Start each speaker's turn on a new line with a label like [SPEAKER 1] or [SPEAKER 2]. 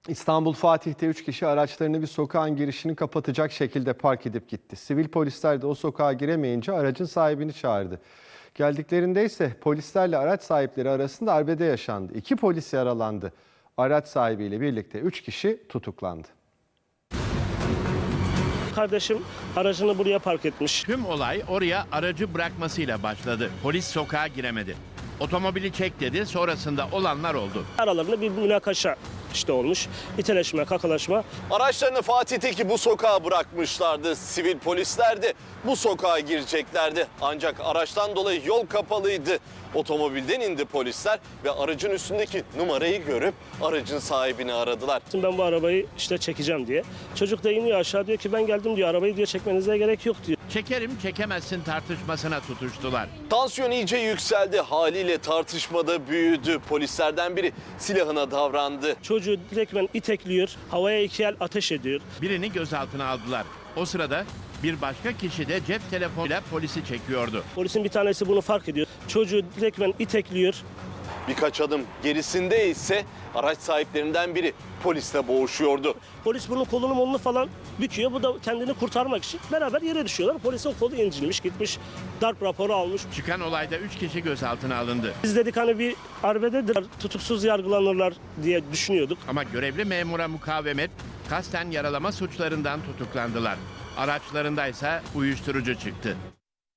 [SPEAKER 1] İstanbul Fatih'te 3 kişi araçlarını bir sokağın girişini kapatacak şekilde park edip gitti. Sivil polisler de o sokağa giremeyince aracın sahibini çağırdı. Geldiklerinde ise polislerle araç sahipleri arasında arbede yaşandı. 2 polis yaralandı. Araç sahibiyle birlikte 3 kişi tutuklandı.
[SPEAKER 2] Kardeşim aracını buraya park etmiş.
[SPEAKER 3] Tüm olay oraya aracı bırakmasıyla başladı. Polis sokağa giremedi. Otomobili çek dedi, sonrasında olanlar oldu.
[SPEAKER 2] Aralarında bir münakaşa olmuş. İteleşme, kakalaşma.
[SPEAKER 4] Araçlarını Fatih'teki bu sokağa bırakmışlardı. Sivil polisler de bu sokağa gireceklerdi. Ancak araçtan dolayı yol kapalıydı. Otomobilden indi polisler ve aracın üstündeki numarayı görüp aracın sahibini aradılar.
[SPEAKER 2] Ben bu arabayı çekeceğim diye. Çocuk da iniyor aşağı, diyor ki ben geldim diyor, arabayı diyor çekmenize gerek yok diyor.
[SPEAKER 3] Çekerim çekemezsin tartışmasına tutuştular.
[SPEAKER 4] Tansiyon iyice yükseldi. Haliyle tartışmada büyüdü. Polislerden biri silahına davrandı.
[SPEAKER 2] Çocuğu direktmen itekliyor, havaya 2 el ateş ediyor.
[SPEAKER 3] Birini gözaltına aldılar. O sırada bir başka kişi de cep telefonuyla polisi çekiyordu.
[SPEAKER 2] Polisin bir tanesi bunu fark ediyor. Çocuğu direktmen itekliyor.
[SPEAKER 4] Birkaç adım gerisinde ise araç sahiplerinden biri polisle boğuşuyordu.
[SPEAKER 2] Polis bunun kolunu molunu falan büküyor. Bu da kendini kurtarmak için beraber yere düşüyorlar. Polisin kolu incinmiş, gitmiş, darp raporu almış.
[SPEAKER 3] Çıkan olayda 3 kişi gözaltına alındı.
[SPEAKER 2] Biz dedik hani bir arbededir, tutuksuz yargılanırlar diye düşünüyorduk.
[SPEAKER 3] Ama görevli memura mukavemet, kasten yaralama suçlarından tutuklandılar. Araçlarındaysa uyuşturucu çıktı.